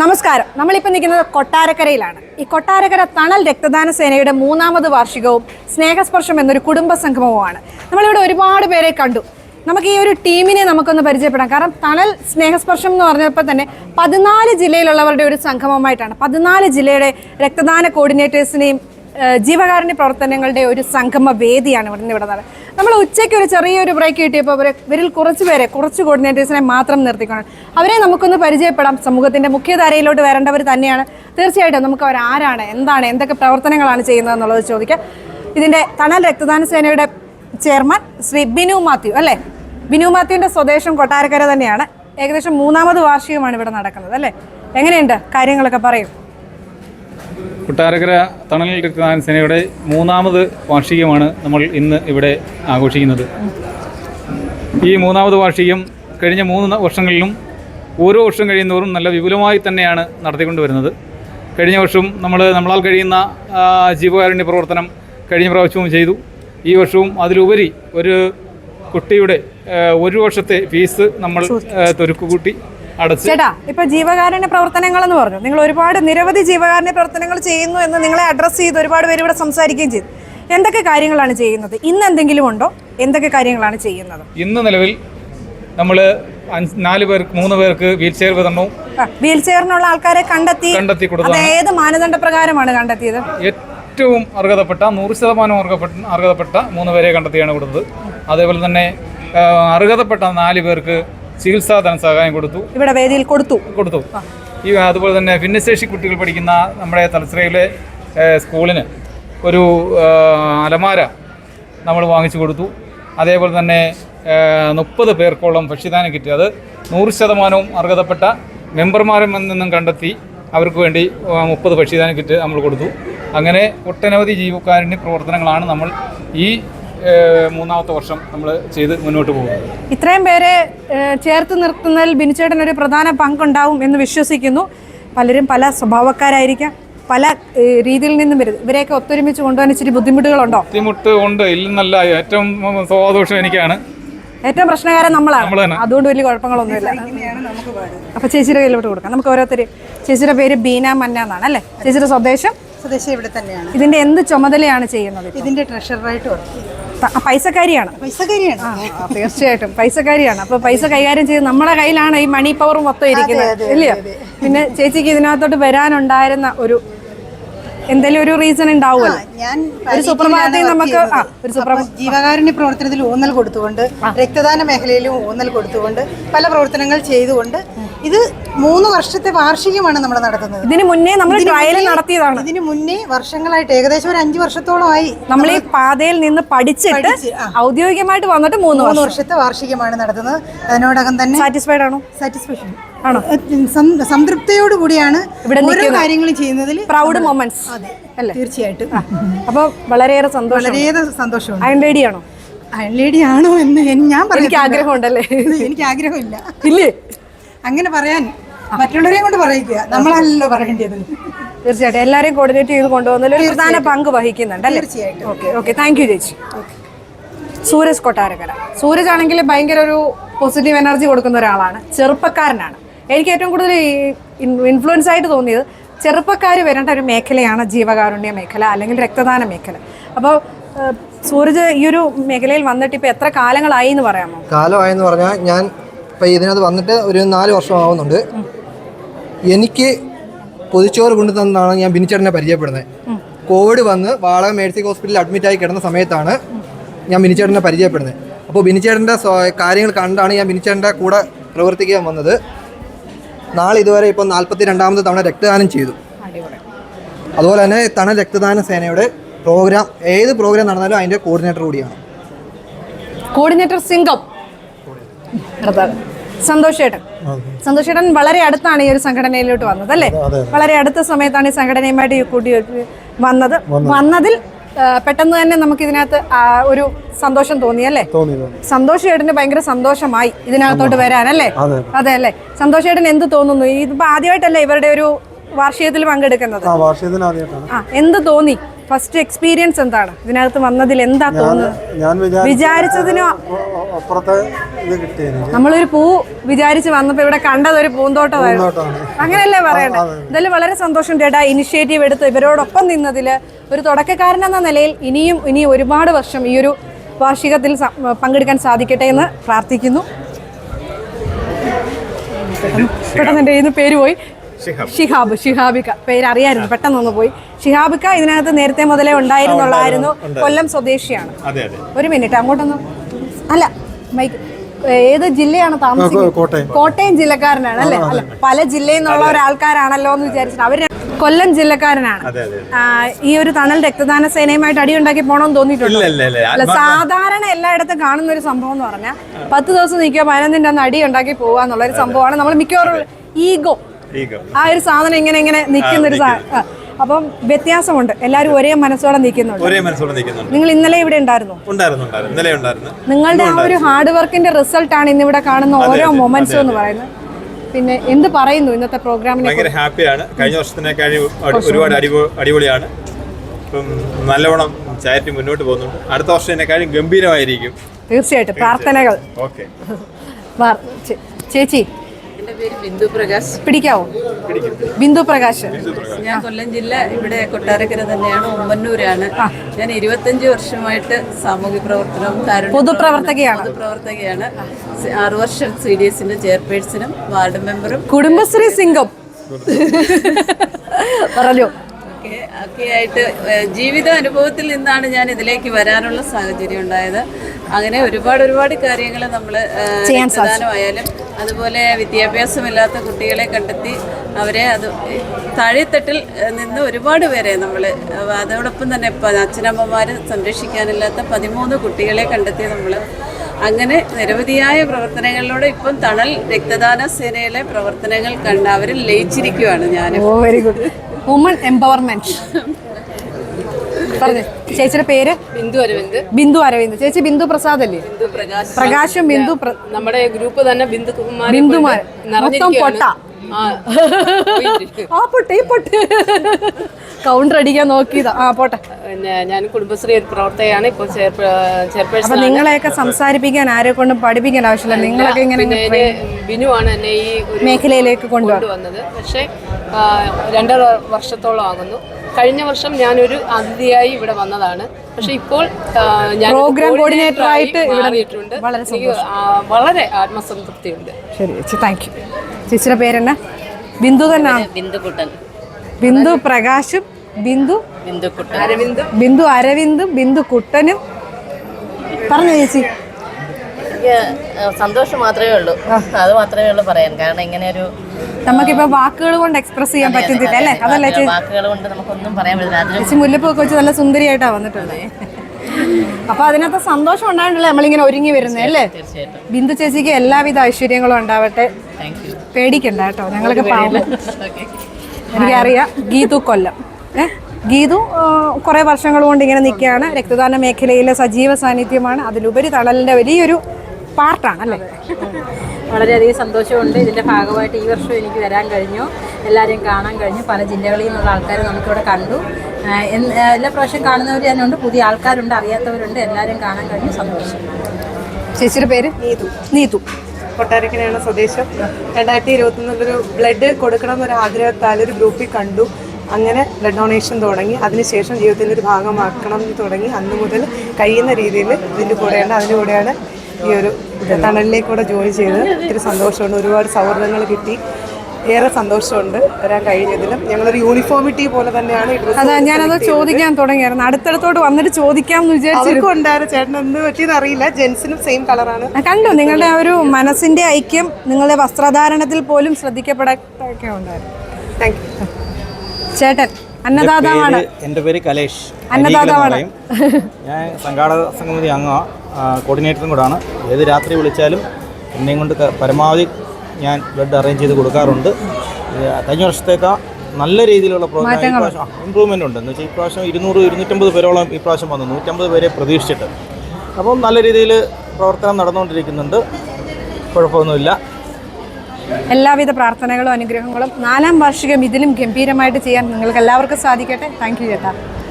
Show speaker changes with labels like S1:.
S1: നമസ്കാരം. നമ്മളിപ്പോൾ നിൽക്കുന്നത് കൊട്ടാരക്കരയിലാണ്. ഈ കൊട്ടാരക്കര തണൽ രക്തദാന സേനയുടെ 3ാമത് വാർഷികവും സ്നേഹസ്പർശം എന്നൊരു കുടുംബ സംഗമവുമാണ്. നമ്മളിവിടെ ഒരുപാട് പേരെ കണ്ടു. നമുക്ക് ഈ ഒരു ടീമിനെ നമുക്കൊന്ന് പരിചയപ്പെടാം. കാരണം തണൽ സ്നേഹസ്പർശം എന്ന് പറഞ്ഞപ്പോൾ തന്നെ 14 ജില്ലയിലുള്ളവരുടെ ഒരു സംഗമമായിട്ടാണ്. 14 ജില്ലയുടെ രക്തദാന കോർഡിനേറ്റേഴ്സിനെയും ജീവകാരുണ്യ പ്രവർത്തനങ്ങളുടെ ഒരു സംഗമ വേദിയാണ് ഇവിടെ നടന്നത്. നമ്മൾ ഉച്ചയ്ക്ക് ഒരു ചെറിയൊരു ബ്രേക്ക് കിട്ടിയപ്പോൾ ഇവരിൽ കുറച്ച് കോർഡിനേറ്റേഴ്സിനെ മാത്രം നിർത്തിക്കൊണ്ട് അവരെ നമുക്കൊന്ന് പരിചയപ്പെടാം. സമൂഹത്തിൻ്റെ മുഖ്യധാരയിലോട്ട് വരേണ്ടവർ തന്നെയാണ്. തീർച്ചയായിട്ടും നമുക്ക് അവർ ആരാണ്, എന്താണ്, എന്തൊക്കെ പ്രവർത്തനങ്ങളാണ് ചെയ്യുന്നത് എന്നുള്ളത് ചോദിക്കാം. ഇതിൻ്റെ തണൽ രക്തദാന സേനയുടെ ചെയർമാൻ ശ്രീ ബിനു മാത്യു അല്ലേ? ബിനു മാത്യുവിൻ്റെ സ്വദേശം കൊട്ടാരക്കര തന്നെയാണ്. ഏകദേശം 3ാമത് വാർഷികമാണ് ഇവിടെ നടക്കുന്നത് അല്ലേ? എങ്ങനെയുണ്ട് കാര്യങ്ങളൊക്കെ പറയും.
S2: കൊട്ടാരക്കര തണൽ രക്തദാന സേനയുടെ 3ാമത് വാർഷികമാണ് നമ്മൾ ഇന്ന് ഇവിടെ ആഘോഷിക്കുന്നത്. ഈ 3ാമത് വാർഷികം കഴിഞ്ഞ 3 വർഷങ്ങളിലും ഓരോ വർഷം കഴിയുന്നവരും നല്ല വിപുലമായി തന്നെയാണ് നടത്തിക്കൊണ്ടുവരുന്നത്. കഴിഞ്ഞ വർഷം നമ്മളാൽ കഴിയുന്ന ജീവകാരുണ്യ പ്രവർത്തനം കഴിഞ്ഞ പ്രാവശ്യവും ചെയ്തു. ഈ വർഷവും അതിലുപരി ഒരു കുട്ടിയുടെ 1 വർഷത്തെ ഫീസ് നമ്മൾ തൊരുക്കുകൂട്ടി അടച്ച്.
S1: ചേട്ടാ, ഇപ്പൊ ജീവകാരുണ്യ പ്രവർത്തനങ്ങൾ എന്ന് പറഞ്ഞു, നിങ്ങൾ ഒരുപാട് നിരവധി ജീവകാരുണ്യ പ്രവർത്തനങ്ങൾ ചെയ്യുന്നു എന്ന് നിങ്ങളെ അഡ്രസ്സ് ചെയ്ത് ഒരുപാട് പേര് ഇവിടെ സംസാരിക്കുകയും ചെയ്തു. എന്തൊക്കെ കാര്യങ്ങളാണ് ചെയ്യുന്നത്? ഇന്ന് എന്തെങ്കിലും ഉണ്ടോ? എന്തൊക്കെ കാര്യങ്ങളാണ് ചെയ്യുന്നത്?
S2: ഇന്ന് നിലവിൽ നമ്മൾ 3 പേർക്ക് വീൽ ചെയർ വിതരണവും.
S1: വീൽ ചെയറിനുള്ള ആൾക്കാരെ കണ്ടെത്തി കൊടുത്തു. ഏത് മാനദണ്ഡ പ്രകാരമാണ് കണ്ടെത്തിയത്?
S2: ഏറ്റവും അർഹതപ്പെട്ട 100% അർഹതപ്പെട്ട 3 പേരെ കണ്ടെത്തിയാണ് കൊടുത്തത്. അതേപോലെ തന്നെ അർഹതപ്പെട്ട 4 പേർക്ക് ചികിത്സാ ധനസഹായം കൊടുത്തു.
S1: ഇവിടെ വേദിയിൽ കൊടുത്തു.
S2: അതുപോലെ തന്നെ ഭിന്നശേഷി കുട്ടികൾ പഠിക്കുന്ന നമ്മുടെ തലശ്ശേരിയിലെ സ്കൂളിന് ഒരു അലമാര നമ്മൾ വാങ്ങിച്ചു കൊടുത്തു. അതേപോലെ തന്നെ 30 പേർക്കോളം ഭക്ഷ്യദാന കിറ്റ്, അത് 100% അർഹതപ്പെട്ട മെമ്പർമാരിൽ നിന്നും കണ്ടെത്തി അവർക്ക് വേണ്ടി 30 ഭക്ഷ്യദാന കിറ്റ് നമ്മൾ കൊടുത്തു. അങ്ങനെ ഒട്ടനവധി ജീവകാരുണ്യ പ്രവർത്തനങ്ങളാണ് നമ്മൾ ഈ 3ാമത്തെ വർഷം നമ്മൾ ചെയ്ത് മുന്നോട്ട് പോകുന്നത്.
S1: ഇത്രയും പേരെ ചേർത്ത് നിർത്തുന്നതിൽ ബിനുചേട്ടൻ ഒരു പ്രധാന പങ്കുണ്ടാവും എന്ന് വിശ്വസിക്കുന്നു. പലരും പല സ്വഭാവക്കാരായിരിക്കാം, പല രീതിയിൽ നിന്നും വരും. ഇവരെയൊക്കെ ഒത്തൊരുമിച്ച് കൊണ്ടുപോകാൻ ഇച്ചിരി ബുദ്ധിമുട്ടുകളുണ്ടോ?
S2: ബുദ്ധിമുട്ട് ഉണ്ട്, ഇല്ലെന്നല്ല. ഏറ്റവും സ്വാദോഷം എനിക്കാണ്.
S1: ഏറ്റവും പ്രശ്നകാരൻ നമ്മളാണ്. അതുകൊണ്ട് വലിയ കുഴപ്പങ്ങളൊന്നുമില്ല. അപ്പൊ ചേച്ചിയുടെ കയ്യിലോട്ട് കൊടുക്കാം. നമുക്ക് ഓരോരുത്തർ. ചേച്ചിയുടെ പേര് ബീന മന്ന എന്നാണ് അല്ലേ? ചേച്ചിയുടെ സ്വദേശം
S3: ഇവിടെ തന്നെയാണ്.
S1: ഇതിന്റെ എന്ത് ചുമതലയാണ് ചെയ്യുന്നത്?
S3: ഇതിന്റെ ട്രഷററായിട്ട് വർക്ക് ചെയ്യും.
S1: പൈസക്കാരിയാണ്. തീർച്ചയായിട്ടും പൈസക്കാരിയാണ്. അപ്പൊ പൈസ കൈകാര്യം ചെയ്ത് നമ്മുടെ കയ്യിലാണ് ഈ മണി പവർ മൊത്തം ഇരിക്കുന്നത് ഇല്ലയോ? പിന്നെ ചേച്ചിക്ക് ഇതിനകത്തോട്ട് വരാനുണ്ടായിരുന്ന ഒരു എന്തെങ്കിലും ഒരു റീസൺ ഉണ്ടാവുമല്ലോ.
S3: ഞാൻ
S1: ഒരു സുപ്രഭാതത്തിൽ നമുക്ക്
S3: ജീവകാരുണ്യ പ്രവർത്തനത്തിൽ ഊന്നൽ കൊടുത്തുകൊണ്ട്, രക്തദാന മേഖലയിലും ഊന്നൽ കൊടുത്തുകൊണ്ട് പല പ്രവർത്തനങ്ങൾ ചെയ്തുകൊണ്ട് ഇത് 3 വർഷത്തെ വാർഷികമാണ് നമ്മൾ നടത്തുന്നത്.
S1: ഇതിന് മുന്നേ നമ്മൾ ട്രയൽ നടത്തിയതാണ്.
S3: ഇതിന് മുന്നേ വർഷങ്ങളായിട്ട് ഏകദേശം ഒരു 5 വർഷത്തോളമായി
S1: നമ്മൾ ഈ പാതയിൽ നിന്ന് പഠിച്ചിട്ട് ഔദ്യോഗികമായിട്ട് വന്നിട്ട് 3
S3: വർഷത്തെ വാർഷികമാണ് നടത്തുന്നത്. അതിനോടകം തന്നെ
S1: സാറ്റിസ്ഫൈഡ് ആണോ?
S3: സാറ്റിസ്ഫാക്ഷൻ ആണോ? സംതൃപ്തിയോട് കൂടിയാണ് ഓരോ കാര്യങ്ങളും ചെയ്യുന്നതിൽ
S1: പ്രൗഡ് മൊമെന്റ്സ്
S3: അല്ലേ? തീർച്ചയായിട്ടും.
S1: അപ്പോൾ വളരെയേറെ സന്തോഷമുണ്ട്. അയൺ ലേഡി ആണോ?
S3: അയൺ ലേഡി ആണോ എന്ന് ഞാൻ
S1: എനിക്ക് ആഗ്രഹമുണ്ടല്ലേ?
S3: എനിക്ക് ആഗ്രഹമില്ല.
S1: ഇല്ലേ?
S3: അങ്ങനെ പറയാൻ മറ്റുള്ളവരെയും കൊണ്ട് പറയിക്കുക, നമ്മളല്ലോ പറയേണ്ടത്.
S1: തീർച്ചയായിട്ടും എല്ലാവരെയും കോർഡിനേറ്റ് ചെയ്ത് കൊണ്ടുപോകുന്നതിൽ ഒരു പ്രധാന പങ്ക് വഹിക്കുന്നുണ്ട്.
S3: തീർച്ചയായിട്ടും.
S1: ഓക്കെ താങ്ക് യു ചേച്ചി. സൂരജ് കൊട്ടാരക്കര. സൂരജ് ആണെങ്കിൽ ഭയങ്കര ഒരു പോസിറ്റീവ് എനർജി കൊടുക്കുന്ന ഒരാളാണ്. ചെറുപ്പക്കാരനാണ്. എനിക്ക് ഏറ്റവും കൂടുതൽ ഇൻഫ്ലുവൻസ് ആയിട്ട് തോന്നിയത് ചെറുപ്പക്കാർ വരേണ്ട ഒരു മേഖലയാണ് ജീവകാരുണ്യ മേഖല അല്ലെങ്കിൽ രക്തദാന മേഖല. അപ്പോൾ സൂരജ് ഈ ഒരു മേഖലയിൽ വന്നിട്ട് ഇപ്പോൾ എത്ര കാലങ്ങളായി എന്ന് പറയാമോ?
S4: കാലമായെന്ന് പറഞ്ഞാൽ ഞാൻ ഇപ്പോൾ ഇതിനകത്ത് വന്നിട്ട് ഒരു 4 വർഷം ആവുന്നുണ്ട്. എനിക്ക് പൊതിച്ചോറ് കൊണ്ടുതന്നാണ് ഞാൻ ബിനുചേട്ടനെ പരിചയപ്പെടുന്നത്. കോവിഡ് വന്ന് വാളക മേഴ്സി ഹോസ്പിറ്റലിൽ അഡ്മിറ്റായി കിടന്ന സമയത്താണ് ഞാൻ ബിനുചേട്ടനെ പരിചയപ്പെടുന്നത്. അപ്പോൾ ബിനുചേട്ടൻ്റെ കാര്യങ്ങൾ കണ്ടാണ് ഞാൻ ബിനുചേട്ടൻ്റെ കൂടെ പ്രവർത്തിക്കാൻ വന്നത്. നാളെ ഇതുവരെ ഇപ്പോൾ 42ാമത് തവണ രക്തദാനം ചെയ്തു. അതുപോലെ തന്നെ തണൽ രക്തദാന സേനയുടെ പ്രോഗ്രാം, ഏത് പ്രോഗ്രാം നടന്നാലും അതിൻ്റെ കോർഡിനേറ്റർ കൂടിയാണ്.
S1: കോർഡിനേറ്റർ സിംഗം സന്തോഷേട്ടൻ വളരെ അടുത്താണ് ഈ ഒരു സംഘടനയിലോട്ട് വന്നത് അല്ലേ? വളരെ അടുത്ത സമയത്താണ് ഈ സംഘടനയുമായിട്ട് കൂട്ടി വന്നതിൽ പെട്ടെന്ന് തന്നെ നമുക്ക് ഇതിനകത്ത് ഒരു സന്തോഷം തോന്നി അല്ലേ? സന്തോഷേട്ടന് ഭയങ്കര സന്തോഷമായി ഇതിനകത്തോട്ട് വരാനല്ലേ? അതെ അല്ലേ? സന്തോഷേട്ടൻ എന്ത് തോന്നുന്നു? ഇതിപ്പോ ആദ്യമായിട്ടല്ലേ ഇവരുടെ ഒരു വാർഷികത്തിൽ പങ്കെടുക്കുന്നത്? എന്ത് തോന്നി ഫസ്റ്റ് എക്സ്പീരിയൻസ് എന്താണ് ഇതിനകത്ത് വന്നതിൽ? എന്താ തോന്നുന്നത്?
S5: ഞാൻ
S1: വിചാരിച്ചതിനും
S5: അപ്പുറത്തെ ഇത് കിട്ടി എനിക്ക്.
S1: നമ്മളൊരു പൂ വിചാരിച്ച് വന്നപ്പോ ഇവിടെ കണ്ടത് ഒരു പൂന്തോട്ടമായിരുന്നു. അങ്ങനെയല്ലേ പറയണ്ടേ? എന്തായാലും വളരെ സന്തോഷം ചേട്ടാ, ഇനിഷ്യേറ്റീവ് എടുത്ത് ഇവരോടൊപ്പം നിന്നതില്. ഒരു തുടക്കക്കാരനെന്ന നിലയിൽ ഇനിയും ഒരുപാട് വർഷം ഈ ഒരു വാർഷികത്തിൽ പങ്കെടുക്കാൻ സാധിക്കട്ടെ എന്ന് പ്രാർത്ഥിക്കുന്നു. പെട്ടെന്ന് എൻ്റെ കയ്യിൽ നിന്ന് പേര് പോയി. ഷിഹാബിക്ക പേര് അറിയായിരുന്നു, പെട്ടെന്നൊന്ന് പോയി. ഷിഹാബിക്ക ഇതിനകത്ത് നേരത്തെ മുതലേ ഉണ്ടായിരുന്നുള്ളായിരുന്നു. കൊല്ലം സ്വദേശിയാണ്. ഒരു മിനിറ്റ് അങ്ങോട്ടൊന്ന്. അല്ല മൈക്ക്, ഏത് ജില്ലയാണ് താമസിക്കുന്നത്? കോട്ടയം ജില്ലക്കാരനാണ് അല്ലേ? അല്ല, പല ജില്ലയിൽ നിന്നുള്ള ഒരാൾക്കാരാണല്ലോ എന്ന് വിചാരിച്ചിട്ട്. അവര് കൊല്ലം ജില്ലക്കാരനാണ്. ഈ ഒരു തണൽ രക്തദാന സേനയുമായിട്ട് അടിയുണ്ടാക്കി പോകണമെന്ന് തോന്നിയിട്ടുണ്ടോ? അല്ല, സാധാരണ എല്ലായിടത്തും കാണുന്ന ഒരു സംഭവം എന്ന് പറഞ്ഞാൽ 10 ദിവസം നിൽക്കുക 15 അന്ന് അടി ഉണ്ടാക്കി പോവുക എന്നുള്ളൊരു സംഭവമാണ്. നമ്മൾ മിക്കവാറും ഈഗോ, ആ ഒരു സാധനം ഇങ്ങനെ നിൽക്കുന്ന ഒരു സാധനം. അപ്പം വ്യത്യാസമുണ്ട്, എല്ലാവരും ഒരേ മനസ്സോടെ നിൽക്കുന്നുണ്ട്. നിങ്ങൾ ഇന്നലെ ഇവിടെ ഉണ്ടായിരുന്നു. നിങ്ങളുടെ ആ ഒരു ഹാർഡ് വർക്കിന്റെ റിസൾട്ട് ആണ് ഇന്നിവിടെ കാണുന്ന ഓരോ മൊമെന്റ്സും എന്ന് പറയുന്നത്. പിന്നെ എന്ത് പറയുന്നു ഇന്നത്തെ പ്രോഗ്രാമിനെ?
S6: ഭയങ്കര ഹാപ്പിയാണ്. കഴിഞ്ഞ വർഷത്തിനേക്കാൾ ഒരുപാട് അടിപൊളിയാണ്. ഇപ്പം നല്ലവണ്ണം ചാരിറ്റി മുന്നോട്ട് പോകുന്നുണ്ട്. അടുത്ത വർഷത്തിനേക്കാളും ഗംഭീരമായിരിക്കും.
S1: തീർച്ചയായിട്ടും പ്രാർത്ഥനകൾ.
S6: ഓക്കെ
S1: ചേച്ചി,
S7: എൻ്റെ പേര് ബിന്ദു പ്രകാശ്.
S1: പിടിക്കാവോ? ബിന്ദു പ്രകാശ്.
S7: ഞാൻ കൊല്ലം ജില്ല, ഇവിടെ കൊട്ടാരക്കര തന്നെയാണ്, ഉമ്മന്നൂരാണ്. ഞാൻ 25 വർഷമായിട്ട് സാമൂഹ്യ പ്രവർത്തനവും പൊതുപ്രവർത്തകയാണ്. 6 വർഷം CDSന്റെ ചെയർപേഴ്സണും വാർഡ് മെമ്പറും
S1: കുടുംബശ്രീ സിംഗം പറഞ്ഞു
S7: ഒക്കെ ആയിട്ട് ജീവിത അനുഭവത്തിൽ നിന്നാണ് ഞാൻ ഇതിലേക്ക് വരാനുള്ള സാഹചര്യം ഉണ്ടായത്. അങ്ങനെ ഒരുപാട് കാര്യങ്ങൾ നമ്മൾ പ്രധാനമായാലും അതുപോലെ വിദ്യാഭ്യാസമില്ലാത്ത കുട്ടികളെ കണ്ടെത്തി അവരെ താഴെത്തട്ടിൽ നിന്ന് ഒരുപാട് പേരെ നമ്മൾ, അതോടൊപ്പം തന്നെ അച്ഛനമ്മമാർ സംരക്ഷിക്കാനില്ലാത്ത 13 കുട്ടികളെ കണ്ടെത്തി നമ്മൾ അങ്ങനെ നിരവധിയായ പ്രവർത്തനങ്ങളിലൂടെ ഇപ്പം തണൽ രക്തദാന സേനയിലെ പ്രവർത്തനങ്ങൾ കണ്ട് അവരിൽ ലയിച്ചിരിക്കുകയാണ് ഞാൻ.
S1: Very good. Woman empowerment. പറഞ്ഞു. ചേച്ചിയുടെ പേര്? ബിന്ദു അരവിന്ദ്. ചേച്ചി ബിന്ദു പ്രസാദ് അല്ലേ? പ്രകാശും ബിന്ദു.
S8: നമ്മുടെ ഗ്രൂപ്പ് തന്നെ ബിന്ദുമാർ
S1: മൊത്തം പൊട്ട. ആ പൊട്ടെ കൗണ്ടർ അടിക്കാൻ നോക്കിയതാ. ആ പോട്ടെ.
S8: പിന്നെ ഞാൻ കുടുംബശ്രീ പ്രവർത്തകയാണ്. ഇപ്പോൾ ചെയർപേഴ്സൺ.
S1: നിങ്ങളെയൊക്കെ സംസാരിപ്പിക്കാൻ ആരെ കൊണ്ടും പഠിപ്പിക്കാൻ ആവശ്യമില്ല. നിങ്ങളൊക്കെ ഇങ്ങനെ
S8: ബിനുവാണ് എന്നെ ഈ
S1: മേഖലയിലേക്ക് കൊണ്ടുവന്നത്.
S8: പക്ഷേ 2 വർഷത്തോളം ആകുന്നു. കഴിഞ്ഞ വർഷം ഞാനൊരു അതിഥിയായി ഇവിടെ വന്നതാണ്. പക്ഷെ ഇപ്പോൾ ഞാൻ
S1: പ്രോഗ്രാം കോർഡിനേറ്റർ ആയിട്ട്
S8: മാറിയിട്ടുണ്ട്. വളരെ ആത്മസംതൃപ്തിയുണ്ട്.
S1: ശരി ചേച്ചി, താങ്ക് യു. ചേച്ചിയുടെ പേരെന്നാ? ബിന്ദു തന്നെയാണ്. ബിന്ദു പ്രകാശും ബിന്ദു അരവിന്ദും ബിന്ദു കുട്ടനും. പറഞ്ഞു ചേച്ചി.
S9: സന്തോഷം മാത്രമേ ഉള്ളൂ, അത് മാത്രമേ ഉള്ളൂ പറയാൻ. കാരണം ഇങ്ങനെ ഒരു
S1: നമുക്കിപ്പോ വാക്കുകൾ കൊണ്ട് എക്സ്പ്രസ് ചെയ്യാൻ പറ്റുന്നില്ല അല്ലേ? അതല്ലേ ചേച്ചി?
S9: വാക്കുകൾ കൊണ്ട് നമുക്കൊന്നും പറയാൻ പറ്റില്ല.
S1: ചേച്ചി മുല്ലപ്പൊക്കെ വെച്ച് നല്ല സുന്ദരിയായിട്ടാ വന്നിട്ടുള്ളത്. അപ്പൊ അതിനകത്ത് സന്തോഷം ഉണ്ടായിട്ടല്ലേ നമ്മളിങ്ങനെ ഒരുങ്ങി വരുന്നത് അല്ലേ? ബിന്ദു ചേച്ചിക്ക് എല്ലാവിധ ഐശ്വര്യങ്ങളും ഉണ്ടാവട്ടെ. പേടിക്കണ്ട കേട്ടോ, ഞങ്ങളൊക്കെ പാവം. എനിക്കറിയാം. ഗീതു കൊല്ലം. ഗീതു കുറേ വർഷങ്ങൾ കൊണ്ട് ഇങ്ങനെ നിൽക്കുകയാണ്. രക്തദാന മേഖലയിലെ സജീവ സാന്നിധ്യമാണ്. അതിലുപരി തണലിൻ്റെ വലിയൊരു പാർട്ടാണ് അല്ലേ?
S10: വളരെയധികം സന്തോഷമുണ്ട്. ഇതിൻ്റെ ഭാഗമായിട്ട് ഈ വർഷം എനിക്ക് വരാൻ കഴിഞ്ഞു, എല്ലാവരെയും കാണാൻ കഴിഞ്ഞു. പല ജില്ലകളിൽ നിന്നുള്ള ആൾക്കാർ നമുക്കിവിടെ കണ്ടു. എല്ലാ പ്രാവശ്യം കാണുന്നവർ തന്നെയുണ്ട്, പുതിയ ആൾക്കാരുണ്ട്, അറിയാത്തവരുണ്ട്. എല്ലാവരെയും കാണാൻ കഴിഞ്ഞു. സന്തോഷം.
S1: ചേച്ചിയുടെ പേര്? നീതു.
S11: കൊട്ടാരക്കരയാണ് സ്വദേശം. 2021 ബ്ലഡ് കൊടുക്കണം എന്നൊരു ആഗ്രഹത്താൽ ഒരു ഗ്രൂപ്പിൽ കണ്ടു. അങ്ങനെ ബ്ലഡ് ഡൊണേഷൻ തുടങ്ങി. അതിനുശേഷം ജീവിതത്തിൻ്റെ ഒരു ഭാഗമാക്കണം എന്ന് തുടങ്ങി. അന്ന് മുതൽ കഴിയുന്ന രീതിയിൽ അതിൻ്റെ കൂടെയാണ് ഈ ഒരു തണലിലേക്കൂടെ ജോയിൻ ചെയ്തത്. ഒത്തിരി സന്തോഷമുണ്ട്. ഒരുപാട് സൗഹൃദങ്ങൾ കിട്ടി. ഏറെ സന്തോഷമുണ്ട് വരാൻ കഴിഞ്ഞതിലും. ഞങ്ങളൊരു യൂണിഫോമിറ്റി പോലെ തന്നെയാണ്.
S1: അതാ ഞാനത് ചോദിക്കാൻ തുടങ്ങിയായിരുന്നു. അടുത്തടുത്തോട്ട് വന്നിട്ട് ചോദിക്കാമെന്ന് വിചാരിച്ചു.
S11: ഉണ്ടായിരുന്നു. ചേട്ടൻ എന്ത് പറ്റിയെന്ന് അറിയില്ല. ജെൻസിനും സെയിം കളറാണ്.
S1: കണ്ടു. നിങ്ങളുടെ ആ ഒരു മനസ്സിന്റെ ഐക്യം നിങ്ങളുടെ വസ്ത്രധാരണത്തിൽ പോലും ശ്രദ്ധിക്കപ്പെടൊക്കെ ഉണ്ടായിരുന്നു.
S11: Thank you.
S1: ചേട്ടൻ അന്നദാതാവാണ്.
S12: എൻ്റെ പേര് കലേഷ്.
S1: അന്നദാതാവാണ്.
S12: ഞാൻ സംഘാടക സമിതി അംഗമാണ്, കോർഡിനേറ്ററും കൂടാണ്. ഏത് രാത്രി വിളിച്ചാലും എന്നെയും കൊണ്ട് പരമാവധി ഞാൻ ബ്ലഡ് അറേഞ്ച് ചെയ്ത് കൊടുക്കാറുണ്ട്. കഴിഞ്ഞ വർഷത്തേക്കാൾ നല്ല രീതിയിലുള്ള പ്രോഗ്രാം ഇമ്പ്രൂവ്മെൻ്റ് ഉണ്ട്. എന്ന് വെച്ചാൽ ഇപ്രാവശ്യം 200-250 പേരോളം ഇപ്രാവശ്യം വന്നു. 150 പേരെ പ്രതീക്ഷിച്ചിട്ട്. അപ്പം നല്ല രീതിയിൽ പ്രവർത്തനം നടന്നുകൊണ്ടിരിക്കുന്നുണ്ട്. കുഴപ്പമൊന്നുമില്ല.
S1: എല്ലാവിധ പ്രാർത്ഥനകളും അനുഗ്രഹങ്ങളും 4ാം വാർഷികം ഇതിലും ഗംഭീരമായിട്ട് ചെയ്യാൻ നിങ്ങൾക്ക് എല്ലാവർക്കും സാധിക്കട്ടെ. താങ്ക് യു ചേട്ടാ.